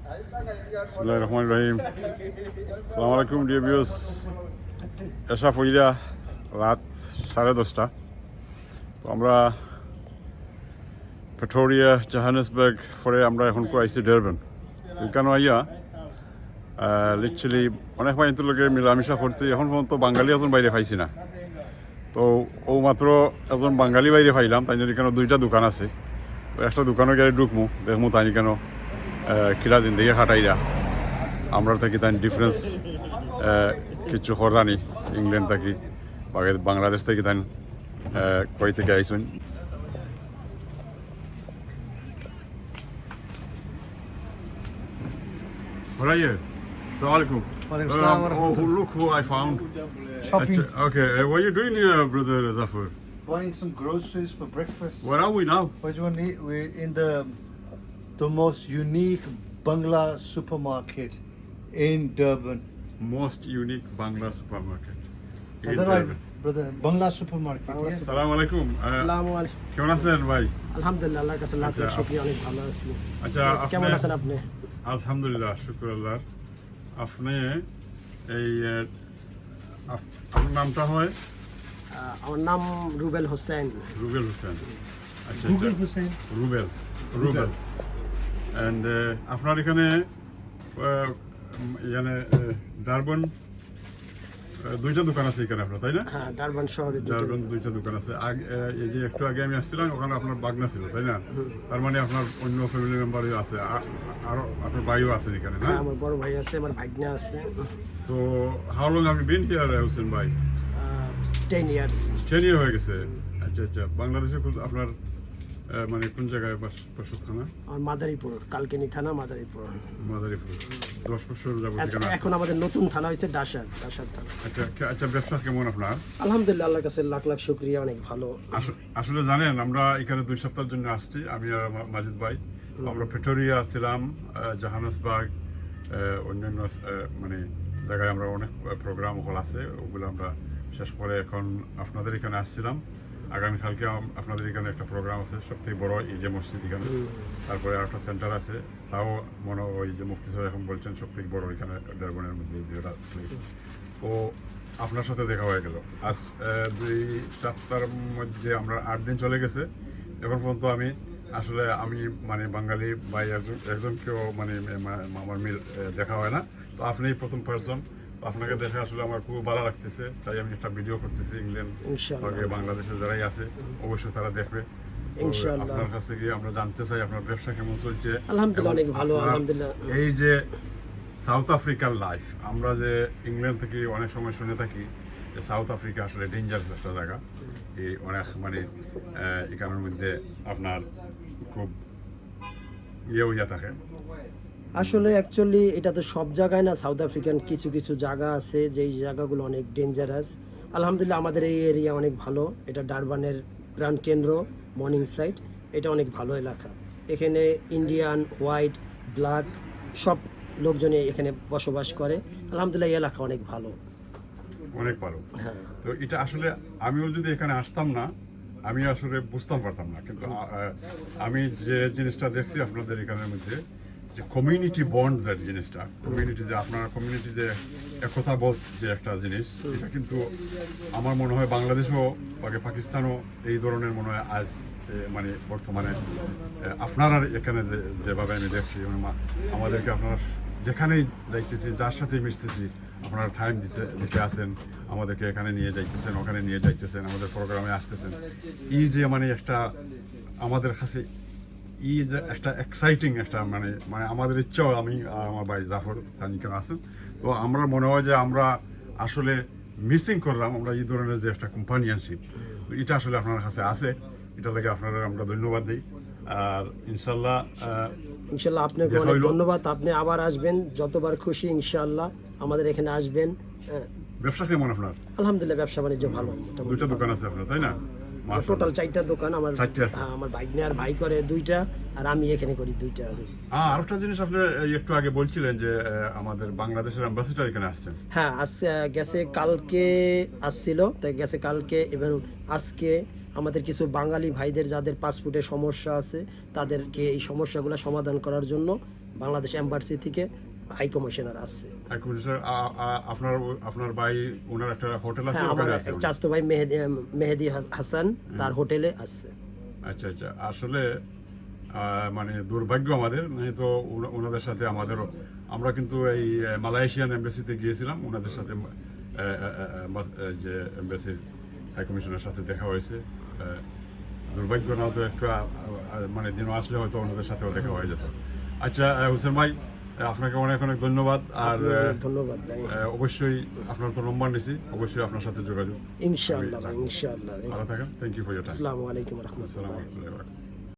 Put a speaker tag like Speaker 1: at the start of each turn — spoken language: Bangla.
Speaker 1: বিসমিল্লাহির রহমানির রহিম। আসসালামু আলাইকুম ডিয়ার ভিউয়ার্স। এসা ফইরা রাত 10:30। তো আমরা প্রিটোরিয়া, জোহানেসবার্গ পরে আমরা এখন আইসি ডারবান। তো এখানে আইয়া লিটারালি অনেক মাইন্তুর লোকে মিলামিশা করছি। এখন পর্যন্ত বাঙালি একজন বাইরে পাইছি না। তো ও মাত্র একজন বাঙালি বাইরে পাইলাম। তাই জন্য এখানে দুইটা দোকান আছে। তো একটা দোকানে গেলে ঢুকমু, দেখমু তাই কেন কিরা জিন্দগি খাটাইরা আমরা থাকি তাই ডিফারেন্স কিছু হরানি ইংল্যান্ড থাকি বাংলাদেশ থেকে তাই কই থেকে আইসুন। Where are you? Assalamualaikum. Oh, look who I found.
Speaker 2: Shopping.
Speaker 1: Okay, what are you doing here, brother Zafar?
Speaker 2: Buying some groceries for breakfast.
Speaker 1: Where are we now?
Speaker 2: What do you want to eat? We're in the most unique Bangla supermarket in Durban.
Speaker 1: Most unique Bangla supermarket.
Speaker 2: Is that right, brother? Bangla supermarket. Yes.
Speaker 1: Assalamualaikum.
Speaker 3: আসসালামু আলাইকুম।
Speaker 1: কেমন আছেন ভাই?
Speaker 3: আলহামদুলিল্লাহ, আল্লাহর কাছে লাখ লাখ শুকরিয়া, অনেক ভালো আছি।
Speaker 1: আচ্ছা,
Speaker 3: কেমন আছেন আপনি?
Speaker 1: আলহামদুলিল্লাহ, শুকর আল্লাহ। আপনি এই আপনার নামটা হয়?
Speaker 3: আমার নাম রুবেল হোসেন।
Speaker 1: রুবেল হোসেন। আচ্ছা,
Speaker 2: Google Hussein.
Speaker 1: রুবেল। অ্যান্ড আপনার এখানে ডারবান দুইটা দোকান আছে এখানে আপনার, তাই না?
Speaker 3: হ্যাঁ, ডারবান শহরে
Speaker 1: ডারবান দুইটা দোকান আছে। এই যে একটু আগে আমি আসছিলাম, ওখানে আপনার বাগনা ছিল, তাই না? তার মানে আপনার অন্য ফ্যামিলি মেম্বারও আছে, আরো আপনার ভাইও আছেন এখানে, না?
Speaker 3: হ্যাঁ, আমার বড় ভাই আছে, আমার ভাগ্না আছে।
Speaker 1: তো how long have you been here Hossain ভাই?
Speaker 3: 10 ইয়ার্স।
Speaker 1: 10 ইয়ার হয়ে গেছে। আচ্ছা আচ্ছা, বাংলাদেশে আপনার মানে কোন জায়গায় বসত থানা?
Speaker 3: আমার মাদারীপুর, কালকেনি থানা, মাদারীপুর।
Speaker 1: 10 বছর যাবত এখানে আছেন।
Speaker 3: এখন আমাদের নতুন থানা হয়েছে ডাসার থানা।
Speaker 1: আচ্ছা আচ্ছা, ব্যবসা কেমন আপনার?
Speaker 3: আলহামদুলিল্লাহ, আল্লাহর কাছে লাখ লাখ শুকরিয়া, অনেক ভালো।
Speaker 1: আসলে জানেন, আমরা এখানে 2 সপ্তাহের জন্য আসছি, আমি আর মাজিদ ভাই। আমরা প্রিটোরিয়া ছিলাম, জোহানেসবার্গ, অন্যান্য মানে জায়গায় আমরা অনেক প্রোগ্রাম হল আছে, ওগুলো আমরা শেষ করে এখন আপনাদের এখানে আসছিলাম। আগামীকালকে আপনাদের এখানে একটা প্রোগ্রাম আছে, সবথেকে বড় এই যে মসজিদ এখানে, তারপরে আরেকটা সেন্টার আছে, তাও মনে ওই যে মুফতি সাহেব এখন বলছেন সবথেকে বড় এখানে ডারবানের মধ্যে দুইটা প্লেস। ও আপনার সাথে দেখা হয়ে গেল। আজ 2 সপ্তাহের মধ্যে আমরা 8 দিন চলে গেছে। এখন পর্যন্ত আমি মানে বাঙালি ভাই একজনকেও মানে আমার দেখা হয় না। তো আপনি প্রথম পার্সন। আপনাকে দেখে আসলে আমার খুব ভালো লাগতেছে, তাই আমি একটা ভিডিও করতেছি। ইংল্যান্ড বাংলাদেশে যারাই আছে অবশ্যই তারা দেখবে। আপনার কাছ থেকে আমরা জানতে চাই আপনার ব্যবসা কেমন চলছে।
Speaker 3: আলহামদুলিল্লাহ, অনেক ভালো, আলহামদুলিল্লাহ।
Speaker 1: এই যে সাউথ আফ্রিকার লাইফ, আমরা যে ইংল্যান্ড থেকে অনেক সময় শুনে থাকি যে সাউথ আফ্রিকা আসলে ডেঞ্জারাস একটা জায়গা, এই অনেক মানে এখানের মধ্যে আপনার খুব হইয়া থাকে।
Speaker 3: আসলে অ্যাকচুয়ালি এটা তো সব জায়গায় না, সাউথ আফ্রিকান কিছু কিছু জায়গা আছে যেই জায়গাগুলো অনেক ডেঞ্জারাস। আলহামদুলিল্লাহ, আমাদের এই এরিয়া অনেক ভালো। এটা ডারবানের প্রাণ কেন্দ্র, মর্নিং সাইড। এটা অনেক ভালো এলাকা। এখানে ইন্ডিয়ান, হোয়াইট, ব্ল্যাক সব লোকজনই এখানে বসবাস করে। আলহামদুলিল্লাহ, এই এলাকা অনেক ভালো,
Speaker 1: অনেক ভালো।
Speaker 3: হ্যাঁ।
Speaker 1: তো এটা আসলে আমিও যদি এখানে আসতাম না, আমি আসলে বুঝতাম পারতাম না। কিন্তু আমি যে জিনিসটা দেখছি আপনাদের এখানের মধ্যে, যে কমিউনিটি বন্ড, যে জিনিসটা, কমিউনিটি যে আপনার কমিউনিটি যে একতা বোধ যে একটা জিনিস, এটা কিন্তু আমার মনে হয় বাংলাদেশও পাকিস্তানও এই ধরনের মনে হয় আজ মানে বর্তমানে আপনারা এখানে যেভাবে আমি দেখছি, আমাদেরকে আপনারা যেখানেই যাইতেছি, যার সাথে মিশতেছি, আপনারা টাইম দিতে আসেন, আমাদেরকে এখানে নিয়ে যাইতেছেন, ওখানে নিয়ে যাইতেছেন, আমাদের প্রোগ্রামে আসতেছেন। এই যে মানে একটা আমাদের কাছে এই যে একটা এক্সাইটিং একটা মানে মানে আমাদের ইচ্ছাও, আমি আর আমার ভাই জাফর সানিকেন আছেন, তো আমরা মনে হয় যে আমরা আসলে মিসিং করলাম আমরা এই ধরনের যে একটা কম্পানিয়ানশিপ, এটা আসলে আপনার কাছে আছে। এটা লাগে আপনারা আমরা ধন্যবাদ দিই। আর ইনশাল্লাহ
Speaker 3: আপনাকে অনেক ধন্যবাদ। আপনি আবার আসবেন যতবার খুশি, ইনশাল্লাহ আমাদের এখানে আসবেন।
Speaker 1: ব্যবসা কেমন আপনার?
Speaker 3: আলহামদুলিল্লাহ, ব্যবসা বাণিজ্য ভালো।
Speaker 1: 2টা দোকান আছে আপনার, তাই না?
Speaker 3: টোটাল 4টা দোকান আমার। আমার ভাগ্নে আর ভাই করে 2টা, আর আমি এখানে করি 2টা।
Speaker 1: আরেকটা জিনিস আপনি একটু আগে বলছিলেন যে আমাদের বাংলাদেশের অ্যাম্বাসিডার এখানে আসছেন।
Speaker 3: হ্যাঁ, গেছে কালকে আসছিল, তাই গেছে কালকে এবং আজকে আমাদের কিছু বাঙালি ভাইদের যাদের পাসপোর্টের সমস্যা আছে তাদেরকে এই সমস্যাগুলো সমাধান করার জন্য বাংলাদেশ এম্বাসি থেকে হাই কমিশনার আসছে।
Speaker 1: এক মিনিট স্যার, আপনার আপনার ভাই ওনার একটা হোটেল আছে,
Speaker 3: হ্যাঁ, আমার
Speaker 1: ওখানে আছে উনি?
Speaker 3: চাচতো ভাই মেহেদি হাসান তার হোটেলে আসছে।
Speaker 1: আচ্ছা আচ্ছা, আসলে মানে দুর্ভাগ্য আমাদের, নাই তো ওনাদের সাথে আমাদেরও, আমরা কিন্তু এই মালয়েশিয়ান এম্বাসিতে গিয়েছিলাম, ওনাদের সাথে যে এম্বাসি হাই কমিশনের সাথে দেখা হয়েছে। দুর্ভাগ্য না তো একটু মানে দিনও আসলে হয়তো ওনাদের সাথেও দেখা হয়ে যেত। আচ্ছা হোসেন ভাই, আপনাকে অনেক অনেক ধন্যবাদ। আর
Speaker 3: ধন্যবাদ ভাই।
Speaker 1: অবশ্যই আপনার তো নম্বর নিছি, অবশ্যই আপনার সাথে যোগাযোগ।
Speaker 3: ইনশাআল্লাহ ভাই, ইনশাআল্লাহ।
Speaker 1: ভালো থাকেন, thank you for your time.
Speaker 3: আসসালামু আলাইকুম রহমতুল্লাহ।
Speaker 1: আসসালামু আলাইকুম।